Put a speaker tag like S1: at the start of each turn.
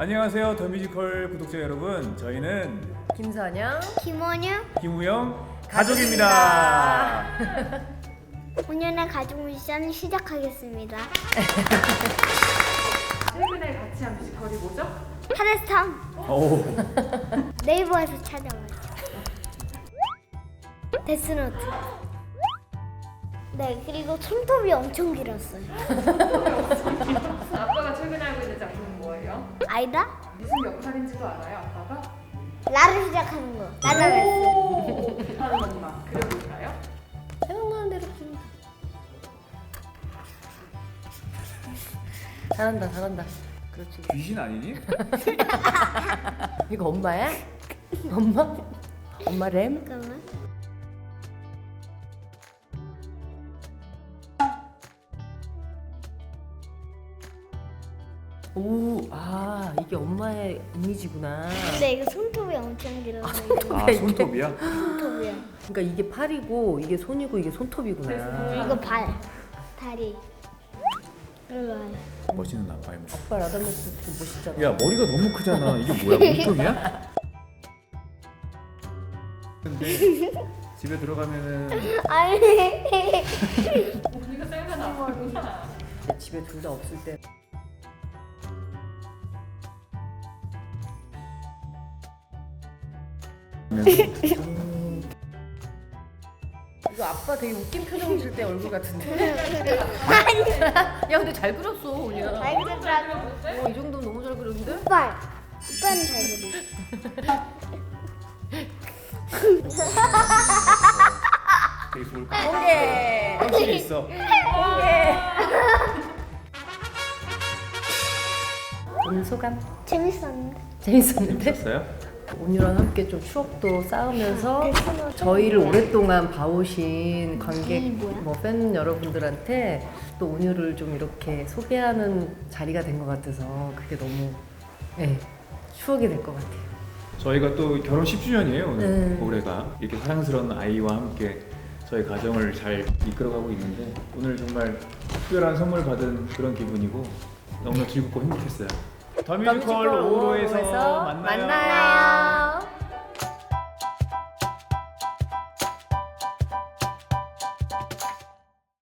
S1: 안녕하세요, 더 뮤지컬 구독자 여러분. 저희는
S2: 김선영,
S3: 김원유,
S1: 김우영 가족입니다.
S3: 오늘의 가족 미션 시작하겠습니다.
S2: 최근에 같이 한 뮤지컬이 뭐죠?
S3: 하데스탐
S1: 오,
S3: 네이버에서 찾아봤어요. 데스노트. 네, 그리고 손톱이 엄청 길었어요.
S2: 아빠가 최근에 알고 있는 작품은 뭐예요?
S3: 아이다?
S2: 무슨 역할인지도 알아요, 아빠가?
S3: 나를 시작하는 거. 나자메스.
S2: 오, 하는 엄마. 그려볼까요?
S4: 생각나는 대로 좀. 잘한다, 잘한다. 그렇지.
S1: 귀신 아니니?
S4: 이거 엄마야? 엄마? 엄마 램?
S3: 잠깐만.
S4: 오, 아, 이게 엄마의 이미지구나.
S3: 근데 이거 손톱이 엄청 길어서
S1: 아, 손톱이야?
S3: 손톱이야.
S4: 그러니까 이게 팔이고, 이게 손이고, 이게 손톱이구나.
S3: 이거 발, 다리. 일로 와요.
S1: 멋있는 아빠의 모습.
S4: 아빠 라다메스 되게 멋있잖아.
S1: 야, 머리가 너무 크잖아. 이게 뭐야, 몸통이야? 근데 집에 들어가면은
S3: 아니.
S2: 우리가 생각나구나.
S4: 집에 둘 다 없을 때. 이거 아빠 되게 웃긴 표정 질 때 얼굴 같은데? 야, 근데 잘 그렸어, 오냐.
S3: 잘 그렸다.
S4: 이 정도면 너무 잘 그렸는데?
S3: 오빠는 잘 그려.
S1: 되게 좋을 것 같아.
S4: 공개!
S1: 확실히 있어.
S4: 오늘 소감?
S3: 재밌었는데.
S4: 재밌었는데?
S1: 재밌었어요?
S4: 온유랑 함께 좀 추억도 쌓으면서 저희를 오랫동안 봐오신 관객, 뭐 팬 여러분들한테 또 온유를 좀 이렇게 소개하는 자리가 된 것 같아서 그게 너무 추억이 될 것 같아요.
S1: 저희가 또 결혼 10주년이에요 오늘.
S4: 네.
S1: 올해가 이렇게 사랑스러운 아이와 함께 저희 가정을 잘 이끌어가고 있는데 오늘 정말 특별한 선물 받은 그런 기분이고 너무나 즐겁고 행복했어요. 더 뮤지컬 5호에서 만나요.
S4: 만나요.